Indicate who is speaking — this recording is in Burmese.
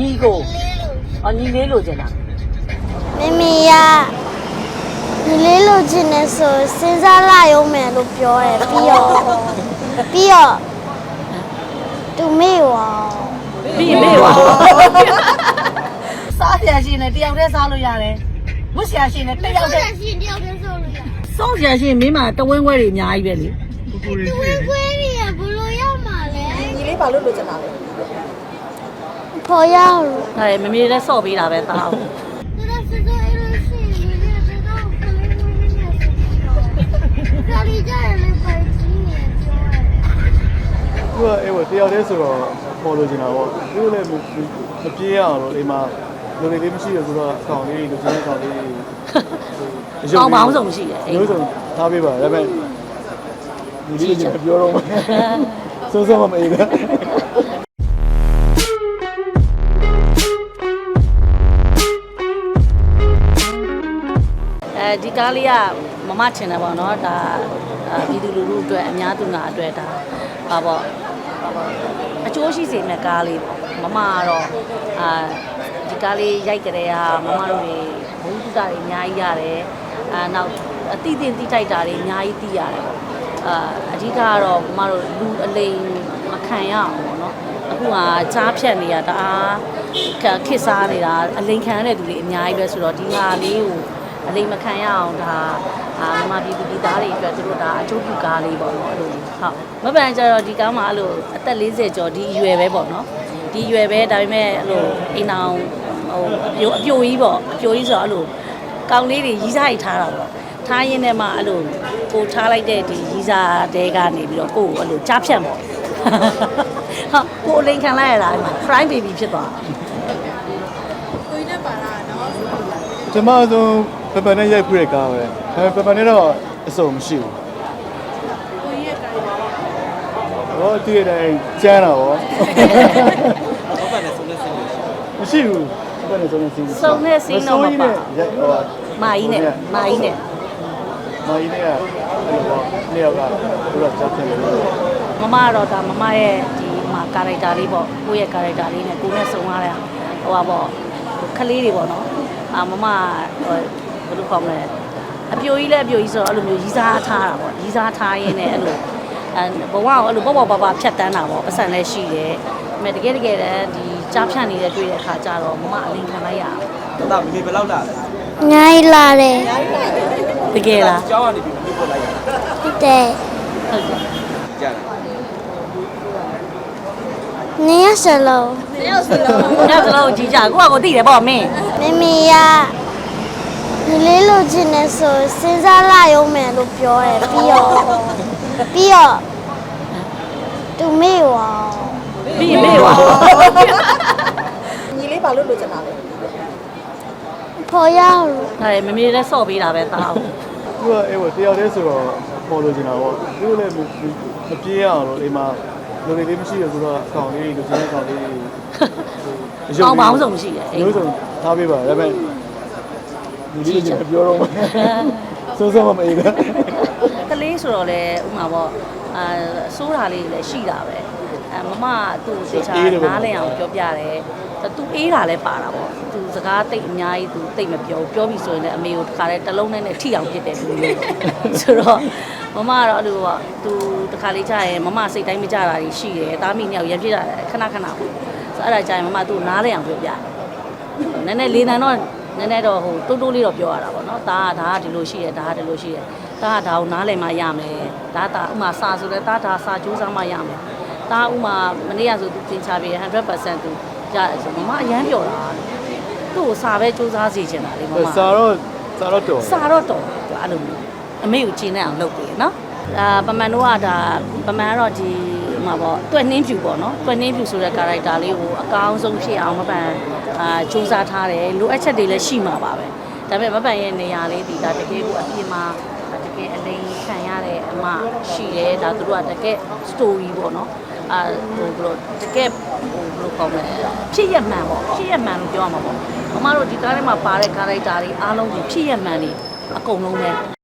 Speaker 1: ညီကိုညီလေးလိုချင်တာ
Speaker 2: မမီကညီလေးလိုချင်နေဆိုစဉ်းစားလာရုံမယ်လို့ပြောတယ်ပြီးတော့သူမေ့ဝါ
Speaker 1: ပြီးမေ့ဝါစားရရှင်နဲ့တယောက်တည်းစားလို့ရတယ်ဝတ်ရရှင်နဲ့တယောက်တည်းစောင့်ရရှင်မင်းမတဝင်းခွဲတွေအများကြီးပဲလေ
Speaker 2: တဝင်းခွဲတွေကဘလို့ရမှာလဲ
Speaker 1: ညီလေးဘာလို့လိုချင်တာလဲ
Speaker 2: ခေါ်ရအောင်
Speaker 1: ဒါမမေလည်းစော့ပေးတာပဲသားအောင်
Speaker 3: သူကအဲ့တယောက်တည်းဆိုတော့ပေါ်လို့ချင်တာပေါ့သူလည်းမပြေးရအောင်လို့အိမ်မှာလူတွေလေးမရှိရဆိုတော့အကောင်လေးလူချင်းအကောင်လေး
Speaker 1: ကောင်းပေါင်းဆုံးရှိတယ်
Speaker 3: အဲ့လိုဆိုထားပေးပါဒါပေမဲ့ဒီလေးကပြောတော့မယ်စိုးစိုးမမေးဘူး
Speaker 1: ဒီကားလေးကမမချင်တယ်ပေါ့နော်ဒါပြည်သူလူထုအတွက်အများသူငါအတွက်ဒါပါပေါ့အကျိုးရှိစေမယ့်ကားလေးပေါ့မမကတော့ဒီကားလေးရိုက်ကြတဲ့ဟာမမတို့တွေဘုံတုတာတွေအများကြီးရတယ်နောက်အတိအသင့်တိထိုက်တာတွေအများကြီးသိရတယ်ပေါ့အဓိကကတော့မမတို့လူအလိမ်မခံရအောင်ပေါ့နော်အခုကကြားဖြတ်နေတာတအားခစ်စားနေတာအလိမ်ခံရတဲ့သူတွေအများကြီးပဲဆိုတော့ဒီဟာလေးကိုအလိမ်မခံရအောင်ဒါမမပြည်သူပြည်သားတွေအတွက်သူတို့ဒါအကျိုးပြုကားလေးပေါ့နော်အဲ့လိုဟုတ်မပန်ကြတော့ဒီကားမှာအဲ့လိုအသက်40ကျော်ဒီအရွယ်ပဲပေါ့နော်ဒီအရွယ်ပဲဒါပေမဲ့အဲ့လိုအိမ်အောင်အပြိုကြီးပေါ့အပြိုကြီးဆိုတော့အဲ့လိုကောင်းလေးတွေရီးစားရိုက်ထားတာပေါ့ထားရင်းနဲ့မှအဲ့လိုကိုထားလိုက်တဲ့ဒီရီးစားတဲကနေပြီးတော့ကိုကိုအဲ့လိုကြားဖြတ်ပေါ့ဟာကိုအလိမ်ခံလိုက်ရတာ fry baby ဖြစ်သွား
Speaker 4: ကိုကြီးနဲ့ပါလာနော်
Speaker 3: ကျွန်မဆိုပပနဲ့ရိုက်ဖူးတဲ့ကားပဲပပနဲ့တော့အစုံမရှိဘူး
Speaker 4: ကိုကြီးရဲ့ကား
Speaker 3: ဟောဒီတိုင်းကျန်းတာဗောပပနဲ့စုံတဲ့စင်းမရှိဘူးပပနဲ့စုံတဲ့စင်း
Speaker 1: စုံတဲ့စင်းတော့မပါမာကြီးနဲ့မာကြီးနဲ့
Speaker 3: အဲ့လိုပေါ့နှစ်ယောက်ကသူကကြားဖြစ်တယ်
Speaker 1: မမကတော့ဒါမမရဲ့ဒီမှာကာရိုက်တာလေးပေါ့ကိုယ့်ရဲ့ကာရိုက်တာလေးနဲ့ကိုနဲ့စုံရတဲ့ဟိုပါပေါ့ခလေးတွေပေါ့နော်မမဘယ်လိုခေါ်မလဲအပြိုကြီးလည်းအပြိုကြီးဆိုတော့အဲ့လိုမျိုးရီးစားထားတာပေါ့ရီးစားထားရင်းနဲ့အဲ့လိုဘဝကိုအဲ့လိုပေါ့ပါဖြတ်တန်းတာပေါ့ပတ်စံလည်းရှိတယ်ဒါပေမဲ့တကယ်တည်းဒီကြားဖြတ်နေတဲ့တွေ့တဲ့အခါကျတော့မမအလိမ်ခံလိုက်ရအောင်
Speaker 3: ဒါမေဘယ်လောက်လာလဲ
Speaker 2: နိုင်လာတယ်
Speaker 1: တကယ်လား
Speaker 3: ကျောင်းကနေပြီးပြပို့လိုက်ရ
Speaker 2: ဟုတ်တယ်
Speaker 3: ကြားတယ်
Speaker 2: နေရစလုံး
Speaker 1: ကြီးကြကိုသိတယ်ပေါ့မင်း
Speaker 2: မမီကညီလေးလိုချင်နေဆိုစဉ်းစားလာရုံမယ်လို့ပြောတယ်ပြီးတော့သူမေ့ဝါ
Speaker 1: ပြီးမေ့ဝါ
Speaker 4: ညီလေးဘာလို့လိုချင်တာလဲ
Speaker 2: ခေါ်ရအောင်
Speaker 1: ဒါမမေလည်းစော့ပေးတာပဲသားအောင်
Speaker 3: သူကအဲ့တယောက်တည်းဆိုတော့ပေါ်လို့ချင်တာပေါ့သူလည်းမပြေးရအောင်လို့အိမ်မှာလူတွေလေးမရှိရဆိုတော့အကောင်လေးလူချင်းအကောင်လေး
Speaker 1: ကောင်းပေါင်းဆုံးရှိတယ်
Speaker 3: မျိုးစုံထားပေးပါဒါပေမဲ့ဒီလေးကပြောတော့မယ်စိုးစိုးမမေးဘူး
Speaker 1: ကလေးဆိုတော့လေဥမာပေါ့စိုးတာလေးလည်းရှိတာပဲမမသူ့သေချာနားလည်အောင်ပြောပြတယ်သူအေးတာလည်းပါတာပေါ့သူစကားတိတ်အများကြီးသူတိတ်မပြောပြီဆိုရင်လည်းအမေကိုတခါတည်းတစ်လုံးနဲ့ထိအောင်ဖြစ်တယ်သူမျိုးဆိုတော့မမကတော့အဲ့လိုပေါ့သူတခါလေးကြာရင်မမစိတ်တိုင်းမကြတာကြီးရှိတယ်သားမိနှစ်ယောက်ရံဖြစ်တာခဏပေါ့ဆိုအဲ့ဒါကြာရင်မမသူ့နားလည်အောင်ပြောပြနည်းနည်းလေးတန်းတော့နည်းနည်းတော့ဟိုတိုးလေးတော့ပြောရတာပေါ့နော်ဒါကဒီလိုရှိတယ်ဒါကဒီလိုရှိတယ်ဒါကဒါကိုနားလည်မှရမယ်ဒါဥမာစာဆိုလဲဒါစာကြိုးစားမှရမယ်ဒါဥမာမနေ့ကဆိုသူသင်ချပေး 100% သူကြဆိုမမအရန်ပြောတာသူ့ကိုစာပဲစူးစမ်းစီချင်တာလေမမ
Speaker 3: စာတော့တော်
Speaker 1: အဲ့လိုအမေကိုကျင်းနေအောင်လုပ်ပေးနော်ပမန်တို့ကဒါပမန်ကတော့ဒီမှာပေါ့တွက်နှင်းဖြူပေါ့နော်တွက်နှင်းဖြူဆိုတဲ့ character လေးကိုအကောင်းဆုံးဖြစ်အောင်မပန်စူးစမ်းထားတယ်လိုအပ်ချက်တွေလည်းရှိမှာပါပဲဒါပေမဲ့မပန်ရဲ့နေရာလေးဒီဒါတကယ်ကိုအပြင်မှာတကယ်အလိမ်ခံရတဲ့အမရှိတယ်ဒါသူတို့ကတကယ် story ပေါ့နော်ဟိုဘလို့တကယ်ဟိုဘလို့ခေါ်မလဲဖြစ်ရမှန်ပေါ့ဖြစ်ရမှန်လို့ပြောရမှာပေါ့မမတို့ဒီကားထဲမှာပါတဲ့ character တွေအားလုံးကိုဖြစ်ရမှန်နေအကုန်လုံးပဲ